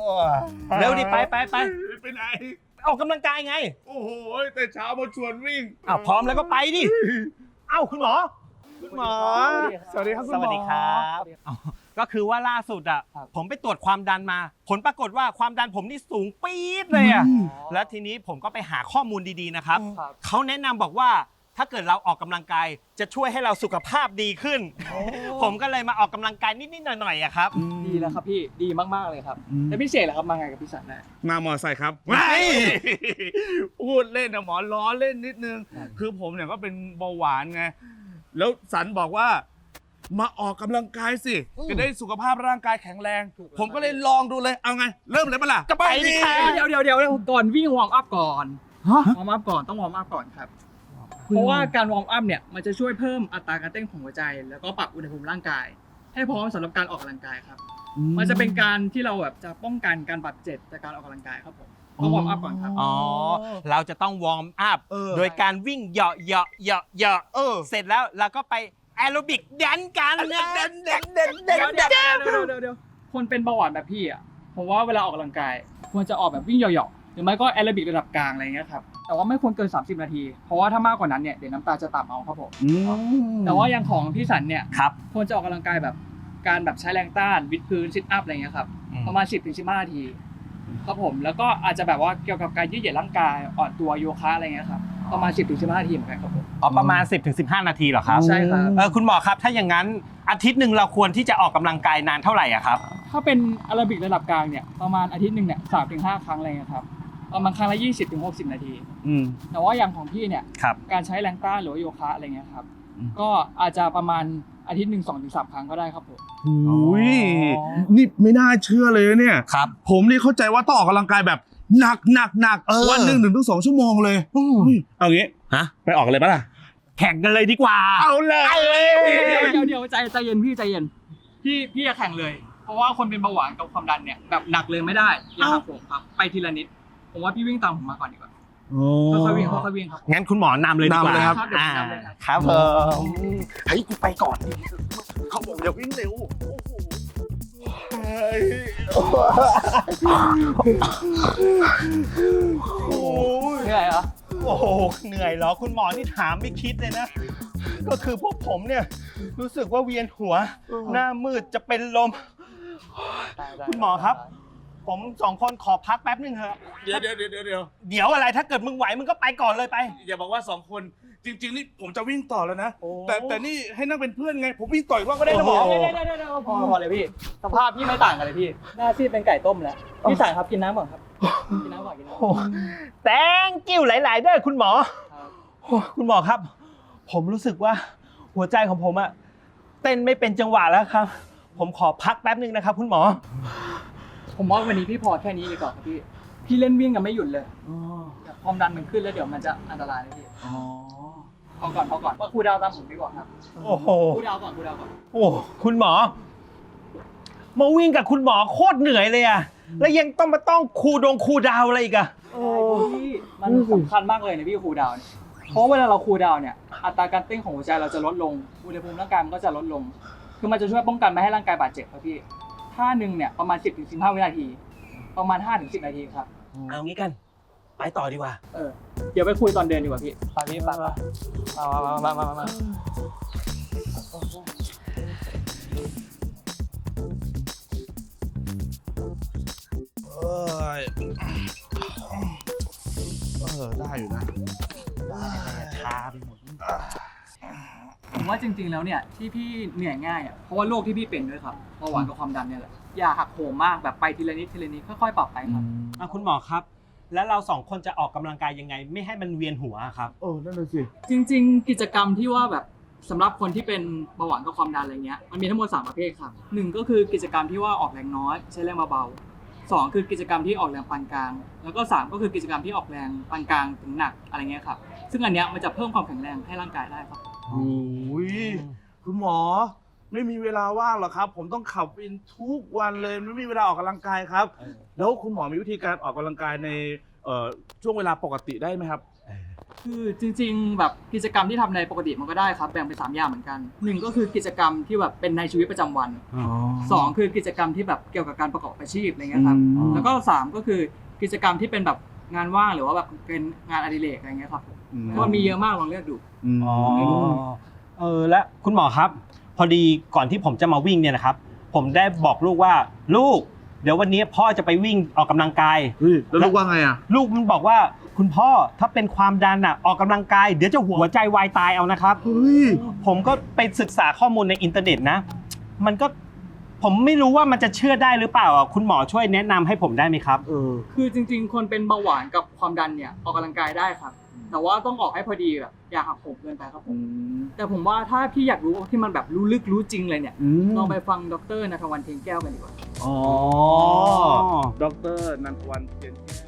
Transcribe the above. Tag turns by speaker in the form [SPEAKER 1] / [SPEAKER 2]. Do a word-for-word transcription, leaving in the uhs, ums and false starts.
[SPEAKER 1] เร็วดิไปไปไป
[SPEAKER 2] ไปไหน
[SPEAKER 1] ออกกำลังกายไง
[SPEAKER 2] โอ้โหแต่เช้ามาชวนวิ่ง
[SPEAKER 1] อ้าวพร้อมแล้วก็ไปดิเอ้าคุณหมอ
[SPEAKER 2] คุณหมอสวัสดีครับคุณหมอ
[SPEAKER 1] สวัสดีครับก็คือว่าล่าสุดอ่ะผมไปตรวจความดันมาผลปรากฏว่าความดันผมนี่สูงปี๊ดเลยอ่ะแล้วทีนี้ผมก็ไปหาข้อมูลดีๆนะครับเขาแนะนำบอกว่าถ้าเกิดเราออกกำลังกายจะช่วยให้เราสุขภาพดีขึ้นผมก็เลยมาออกกำลังกายนิดๆหน่อยๆอะครับ
[SPEAKER 3] ดีแล้วครับพี่ดีมากๆเลยครับแล้วพี่เสกล่ะครับมาไงกับพี่สันนะ
[SPEAKER 2] มามอไซค์ครับไม่พูดเล่นนะหมอล้อเล่นนิดนึงคือผมเนี่ยก็เป็นเบาหวานไงแล้วสันบอกว่ามาออกกำลังกายสิจะได้สุขภาพร่างกายแข็งแรงผมก็เลยลองดูเลยเอาไงเริ่มเลยปะล่ะ
[SPEAKER 1] จะไปดิ
[SPEAKER 3] เดี๋ยวเดี๋ยวเดี๋ยวก่อนวิ่งวอร์มอัพก่อนวอร์มอัพก่อนต้องวอร์มอัพก่อนครับเพราะว่าการวอร์มอัพเนี่ยมันจะช่วยเพิ่มอัตราการเต้นของหัวใจแล้วก็ปรับอุณหภูมิร่างกายให้พร้อมสำหรับการออกกำลังกายครับมันจะเป็นการที่เราแบบจะป้องกันการบาดเจ็บจากการออกกำลังกายครับผมต้องวอร์มอัพก่อนครับ
[SPEAKER 1] อ๋อเราจะต้องวอร์มอัพโดยการวิ่งเหาะเหาะเหาะเหาะเสร็จแล้วเราก็ไปแอโรบิกแดนกันนะแดนแดนแดนแดนเ
[SPEAKER 3] ดี๋ยวเดี๋ยวเดี๋ยวคนเป็นเบาหวานแบบพี่อ่ะผมว่าเวลาออกกำลังกายควรจะออกแบบวิ่งเหาะๆหรือไม่ก็แอโรบิกระดับกลางอะไรเงี้ยครับแต่ว่าไม่ควรเกินสามสิบนาทีเพราะว่าถ้ามากกว่านั้นเนี่ยเดี๋ยวน้ำตาจะต่ำเอาครับผมแต่ว่าอย่างของพี่สันเนี่ยควรจะออกกำลังกายแบบการแบบใช้แรงต้านวิดพื้นซิทอัพอะไรเงี้ยครับประมาณ สิบถึงสิบห้า นาทีครับผมแล้วก็อาจจะแบบว่าเกี่ยวกับการยืดเหยียดร่างกายอ่อนตัวโยคะอะไรเงี้ยครับประมาณ สิบถึงสิบห้า นาทีเหมือนกันครับผม
[SPEAKER 1] อ๋อประมาณ สิบถึงสิบห้า นาทีเหรอครับ
[SPEAKER 3] ใช่ครับ
[SPEAKER 1] เออคุณหมอครับถ้าอย่างนั้นอาทิตย์หนึ่งเราควรที่จะออกกำลังกายนานเท่าไหร่อ่ะครับ
[SPEAKER 3] ถ้าเป็นแอโรบิกระดับกลางเนี่ยประมาณอาทิตย์หนึ่งเนี่ย สามถึงห้า ครั้งอะไรเงี้ยครับประมาณครั้งละ ยี่สิบถึงหกสิบ นาทีแต่ว่าอย่างของพี่เนี่ยการใช้แรงต้านหรือว่าโยคะอะไรเงี้ยครับก็อาจจะประมาณอาทิตย์หนึ่ง สองถึงสาม ครั้งก็ได้ครับผม
[SPEAKER 2] อุ้ยนี่ไม่น่าเชื่อเลยเนี่ย
[SPEAKER 1] ครับ
[SPEAKER 2] ผมนี่เข้าใจว่าต้องออกกำลังกายแบบหนักหนักหนักวันหนึ่งถึงสองชั่วโมงเลยเอางี้
[SPEAKER 1] ฮะ
[SPEAKER 2] ไปออกเลยปะล่ะ
[SPEAKER 1] แข่งกันเลยดีกว่า
[SPEAKER 2] เอาเลย
[SPEAKER 3] เดี๋ยวเดี๋ยวใจใจเย็นพี่ใจเย็นพี่พี่จะแข่งเลยเพราะว่าคนเป็นเบาหวานกับความดันเนี่ยแบบหนักเลยไม่ได้อย่าหักโหมครับไปทีละนิดผมว่าพี่วิ่งตามผมมาก่อนดีกว่าค่อยๆวิ่งค่อยๆวิ่งครับ
[SPEAKER 1] งั้นคุณหมอนำเลยดีกว่า
[SPEAKER 2] ครับ
[SPEAKER 1] ครับผม
[SPEAKER 2] เฮ้ยกูไปก่อนเขาบอกอย่าวิ่งเร็ว
[SPEAKER 3] เหนื่อยเหรอ
[SPEAKER 1] โอ้โหเหนื่อยเหรอคุณหมอนี่ถามไม่คิดเลยนะก็คือพวกผมเนี่ยรู้สึกว่าเวียนหัวหน้ามืดจะเป็นลมคุณหมอครับผมสองคนขอพักแป๊บนึงเถอะ
[SPEAKER 2] เดี๋ยวเดี๋ยวเดี๋ยวเดี๋ยวเ
[SPEAKER 1] ดี๋ยวอะไรถ้าเกิดมึงไหวมึงก็ไปก่อนเลยไป
[SPEAKER 2] อย่าบอกว่าสองคนจริงๆนี่ผมจะวิ่งต่อแล้วนะแต่แต่นี่ให้นั่งเป็นเพื่อนไงผมวิ่งต่ออีกว่าก็ได้นะหมอ
[SPEAKER 3] เดี๋ยวเดี๋ยวเดี๋ยวพอพอเลยพี่สภาพพี่ไม่ต่างกันเลยพี่หน้าซีดเป็นไก่ต้มแล้วพี่สั่งครับกินน้ำก่อนครับกินน้ำก่อนกินน้ำ
[SPEAKER 1] แตงกิ้วหลายๆด้วยคุณหมอคุณหมอครับผมรู้สึกว่าหัวใจของผมอะเต้นไม่เป็นจังหวะแล้วครับผมขอพักแป๊บนึงนะครับคุณหมอ
[SPEAKER 3] ผมว่าวันนี้พี่พอแค่นี้ดีกว่าครับพี่พี่เล่นวิ่งกันไม่หยุดเลยความดันมันขึ้นแล้วเดี๋ยวมันจะอันตรายเลยพี่พอก่อนพอก่อนว่าครูดาวตามผมดีกว่าครับ
[SPEAKER 1] โอ้โห
[SPEAKER 3] ครูดาวก่อนครูดาวก่อน
[SPEAKER 1] โอ้คุณหมอมาวิ่งกับคุณหมอโคตรเหนื่อยเลยอะแล้วยังต้องมาต้องครูดงครูดาวอะไรอีกอะ
[SPEAKER 3] พี่มันสำคัญมากเลยนะพี่ครูดาวเพราะเวลาเราครูดาวเนี่ยอัตราการเต้นของหัวใจเราจะลดลงอุณหภูมิร่างกายมันก็จะลดลงคือมันจะช่วยป้องกันไม่ให้ร่างกายบาดเจ็บครับพี่ท่าหนึ่งเนี่ยประมาณ สิบถึงสิบห้า วินาทีประมาณ ห้าถึงสิบ นาทีครับ
[SPEAKER 1] เอางี้กันไปต่อดีกว่า
[SPEAKER 3] เออเดี๋ยวไปคุยตอนเดินดีกว่าพี่ไปพี่ไปมามามามามา
[SPEAKER 2] เออเออได้อยู่นะ
[SPEAKER 1] ชาไปหมด
[SPEAKER 3] ผมว่าจริงๆแล้วเนี่ยที่พี่เหนื่อยง่ายอ่ะเพราะว่าโรคที่พี่เป็นด้วยครับเบาหวานกับความดันเนี่ยแหละอย่าหักโหมมากแบบไปทีละนิดทีละนิดค่อยๆปรับไปครับ
[SPEAKER 1] อ่ะคุณหมอครับแล้วเราสองคนจะออกกำลังกายยังไงไม่ให้มันเวียนหัวครับ
[SPEAKER 2] เออนั่นเลยสิ
[SPEAKER 3] จริงๆกิจกรรมที่ว่าแบบสำหรับคนที่เป็นเบาหวานกับความดันอะไรเงี้ยมันมีทั้งหมดสามประเภทครับหนึ่งก็คือกิจกรรมที่ว่าออกแรงน้อยใช้แรงเบาๆสองคือกิจกรรมที่ออกแรงปานกลางแล้วก็สามก็คือกิจกรรมที่ออกแรงปานกลางถึงหนักอะไรเงี้ยครับซึ่งอันเนี้ยมันจะเพิ่มความแข็งแรงให้ร่างกายได้ครับ
[SPEAKER 2] โอ้ยคุณหมอไม่มีเวลาว่างหรอกครับผมต้องขับวินทุกวันเลยไม่มีเวลาออกกำลังกายครับแล้วคุณหมอมีวิธีการออกกำลังกายในช่วงเวลาปกติได้ไหมครับ
[SPEAKER 3] คือจริงๆแบบกิจกรรมที่ทำในปกติมันก็ได้ครับแบ่งเป็นสามอย่างเหมือนกันหนึ่งก็คือกิจกรรมที่แบบเป็นในชีวิตประจำวันสองคือกิจกรรมที่แบบเกี่ยวกับการประกอบอาชีพอะไรเงี้ยครับแล้วก็สามก็คือกิจกรรมที่เป็นแบบงานว่างหรือว่าแบบเป็นงานอดิเรกอะไรเงี้ยครับก็มีเยอะมากลองเลือกดู
[SPEAKER 1] อ๋อเออและคุณหมอครับ พอดีก่อนที่ผมจะมาวิ่งเนี่ยนะครับ ผมได้บอกลูกว่าลูก เดี๋ยววันนี้พ่อจะไปวิ่งออกกำลังกาย
[SPEAKER 2] เฮ้ยแล้วลูกว่าไงอ่ะ
[SPEAKER 1] ลูกมันบอกว่าคุณพ่อถ้าเป็นความดันอ่ะออกกำลังกายเดี๋ยวจะหัวใจวายตายเอานะครับ
[SPEAKER 2] เฮ้ย
[SPEAKER 1] ผมก็ไปศึกษาข้อมูลในอินเทอร์เน็ตนะ มันก็ผมไม่รู้ว่ามันจะเชื่อได้หรือเปล่าอ่ะคุณหมอช่วยแนะนำให้ผมได้ไหมครับ
[SPEAKER 2] เออ
[SPEAKER 3] คือจริงๆ คนเป็นเบาหวานกับความดันเนี่ยออกกำลังกายได้ครับ แต่ว่าต้องออกให้พอดีแบบอย่าหักโหมเกินไปครับผม แต่ผมว่าถ้าพี่อยากรู้ที่มันแบบรู้ลึกรู้จริงเลยเนี่ย
[SPEAKER 2] อืม
[SPEAKER 3] ลองไปฟังดรณัฐวันเทียนแก้วกันดีกว่า
[SPEAKER 2] อ๋อดรนันทวันเทียนแก้ว